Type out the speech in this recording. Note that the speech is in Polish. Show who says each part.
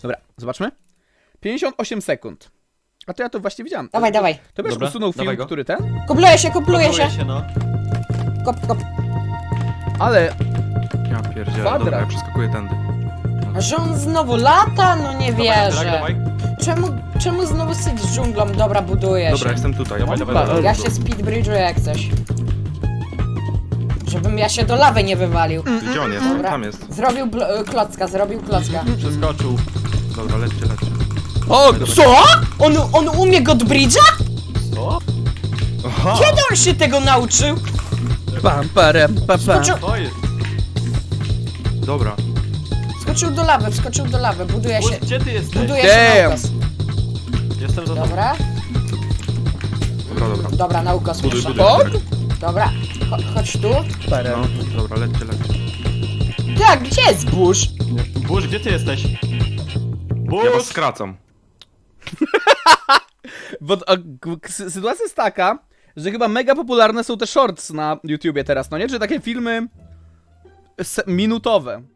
Speaker 1: Dobra, zobaczmy. 58 sekund. A to ja to właśnie widziałem.
Speaker 2: Dawaj, dawaj.
Speaker 1: To byś
Speaker 3: Dobra,
Speaker 1: usunął
Speaker 3: dawaj
Speaker 1: film,
Speaker 3: go.
Speaker 1: który ten?
Speaker 2: Kupluje się, kupluje się.
Speaker 3: No.
Speaker 2: Kop, kop.
Speaker 1: Ale
Speaker 4: Ja pierdzielę,
Speaker 1: Kwadrat.
Speaker 4: dobra, ja przeskakuję tędy.
Speaker 2: A że on znowu lata? No nie
Speaker 3: Tak,
Speaker 2: wierzę.
Speaker 3: dawaj.
Speaker 2: Czemu znowu syć z dżunglą? Dobra, buduję
Speaker 4: Dobra,
Speaker 2: się.
Speaker 4: jestem tutaj.
Speaker 3: Dawaj, dawaj, dawaj.
Speaker 2: Ja się speedbridge'uję jak coś. Żebym ja się do lawy nie wywalił.
Speaker 4: Gdzie on jest?
Speaker 2: Dobra.
Speaker 4: Tam jest.
Speaker 2: Zrobił klocka, zrobił klocka.
Speaker 3: Przeskoczył.
Speaker 4: Dobra, lećcie.
Speaker 1: O,
Speaker 2: Co? On umie Godbridge'a?
Speaker 3: O!
Speaker 4: Aha!
Speaker 2: Kiedy on się tego nauczył?
Speaker 1: pam, parem, pam, pam.
Speaker 2: Skoczył,
Speaker 3: To jest.
Speaker 4: Dobra.
Speaker 2: wskoczył do lawy, buduje się.
Speaker 3: Gdzie ty jesteś?
Speaker 2: Buduje się
Speaker 1: Damn.
Speaker 2: naukos.
Speaker 3: Jestem za tobą.
Speaker 2: Dobra,
Speaker 4: Dobra.
Speaker 2: dobra, naukos
Speaker 4: Buduj,
Speaker 2: muszę.
Speaker 4: buduj.
Speaker 1: O,
Speaker 2: Dobra, chodź tu.
Speaker 1: parem.
Speaker 4: No, dobra, lećcie.
Speaker 2: Tak, gdzie jest burz?
Speaker 3: Burz, gdzie ty jesteś?
Speaker 4: Ja was
Speaker 3: Burz!
Speaker 4: skracam.
Speaker 1: Bo sytuacja jest taka, że chyba mega popularne są te shorts na YouTubie teraz, no nie? Czy takie filmy minutowe.